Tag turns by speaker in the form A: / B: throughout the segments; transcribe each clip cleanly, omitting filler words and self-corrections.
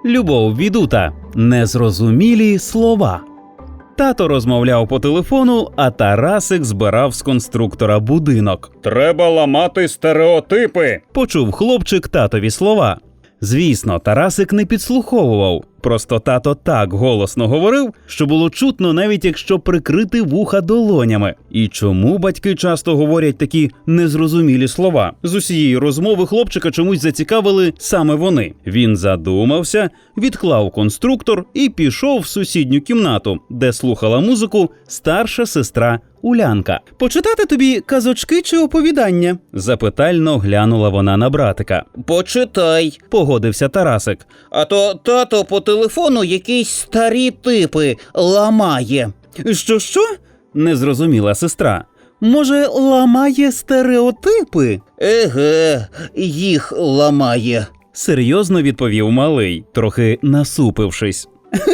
A: Любов Відута. Незрозумілі слова. Тато розмовляв по телефону, а Тарасик збирав з конструктора будинок.
B: «Треба ламати стереотипи!» –
A: почув хлопчик татові слова. Звісно, Тарасик не підслуховував. Просто тато так голосно говорив, що було чутно, навіть якщо прикрити вуха долонями. І чому батьки часто говорять такі незрозумілі слова? З усієї розмови хлопчика чомусь зацікавили саме вони. Він задумався, відклав конструктор і пішов в сусідню кімнату, де слухала музику старша сестра Улянка. «Почитати тобі казочки чи оповідання?» – запитально глянула вона на братика.
C: «Почитай», –
A: погодився Тарасик.
C: «А то тато по телефону якісь старі типи ламає».
A: «Що?» – не зрозуміла сестра. «Може, ламає стереотипи?»
C: «Еге, їх ламає»,
A: – серйозно відповів малий, трохи насупившись.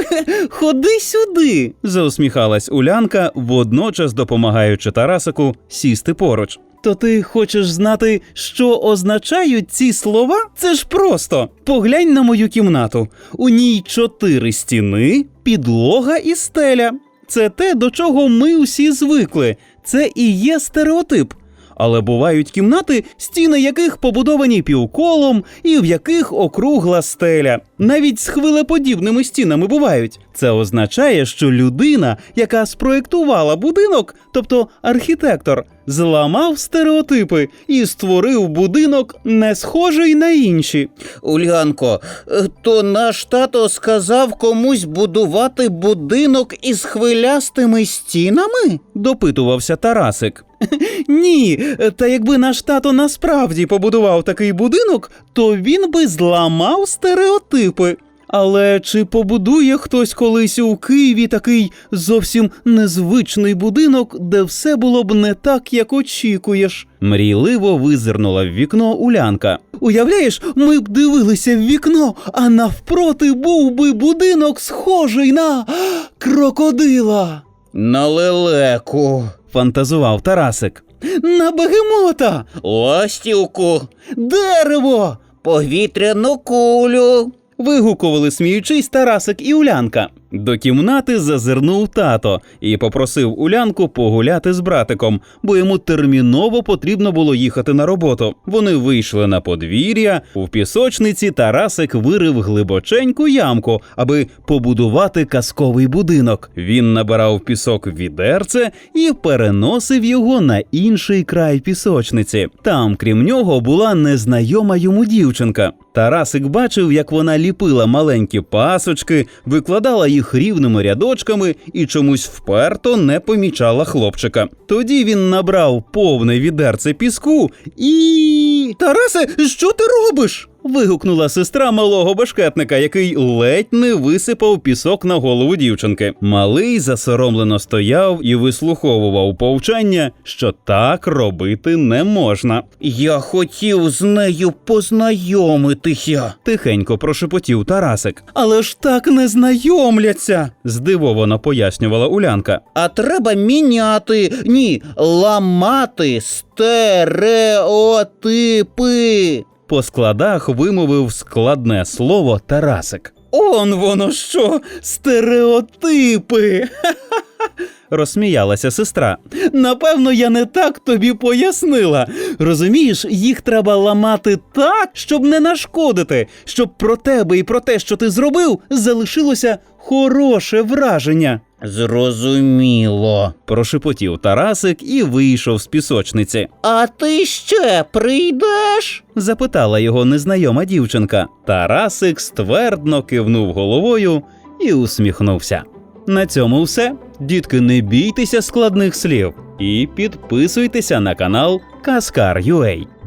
A: «Ходи сюди!» – заусміхалась Улянка, водночас допомагаючи Тарасику сісти поруч. «То ти хочеш знати, що означають ці слова? Це ж просто! Поглянь на мою кімнату. У ній 4 стіни, підлога і стеля. Це те, до чого ми усі звикли. Це і є стереотип. Але бувають кімнати, стіни яких побудовані півколом і в яких округла стеля. Навіть з хвилеподібними стінами бувають. Це означає, що людина, яка спроєктувала будинок, тобто архітектор, зламав стереотипи і створив будинок, не схожий на інші».
C: «Улянко, то наш тато сказав комусь будувати будинок із хвилястими стінами?»
A: – допитувався Тарасик. «Ні, та якби наш тато насправді побудував такий будинок, то він би зламав стереотипи. Але чи побудує хтось колись у Києві такий зовсім незвичний будинок, де все було б не так, як очікуєш?» Мрійливо визирнула в вікно Улянка. «Уявляєш, ми б дивилися в вікно, а навпроти був би будинок, схожий на крокодила».
C: «На лелеку»,
A: – фантазував Тарасик. «На бегемота».
C: «Ластівку»,
A: «Дерево».
C: «Повітряну кулю».
A: Вигукували, сміючись, Тарасик і Улянка. До кімнати зазирнув тато і попросив Улянку погуляти з братиком, бо йому терміново потрібно було їхати на роботу. Вони вийшли на подвір'я, у пісочниці Тарасик вирив глибоченьку ямку, аби побудувати казковий будинок. Він набирав пісок в відерце і переносив його на інший край пісочниці. Там, крім нього, була незнайома йому дівчинка. Тарасик бачив, як вона ліпила маленькі пасочки, викладала їх рівними рядочками і чомусь вперто не помічала хлопчика. Тоді він набрав повне відерце піску і... «Тарасе, що ти робиш?» – вигукнула сестра малого бешкетника, який ледь не висипав пісок на голову дівчинки. Малий засоромлено стояв і вислуховував повчання, що так робити не можна.
C: «Я хотів з нею познайомитися», –
A: тихенько прошепотів Тарасик. «Але ж так не знайомляться», – здивовано пояснювала Улянка.
C: «А треба міняти, ламати стереотипи».
A: По складах вимовив складне слово Тарасик. «Он воно що, стереотипи!» розсміялася сестра. «Напевно, я не так тобі пояснила. Розумієш, їх треба ламати так, щоб не нашкодити, щоб про тебе і про те, що ти зробив, залишилося хороше враження».
C: «Зрозуміло», –
A: прошепотів Тарасик і вийшов з пісочниці.
C: «А ти ще прийдеш?»
A: – запитала його незнайома дівчинка. Тарасик ствердно кивнув головою і усміхнувся. На цьому все. Дітки, не бійтеся складних слів і підписуйтеся на канал Казкар.ua.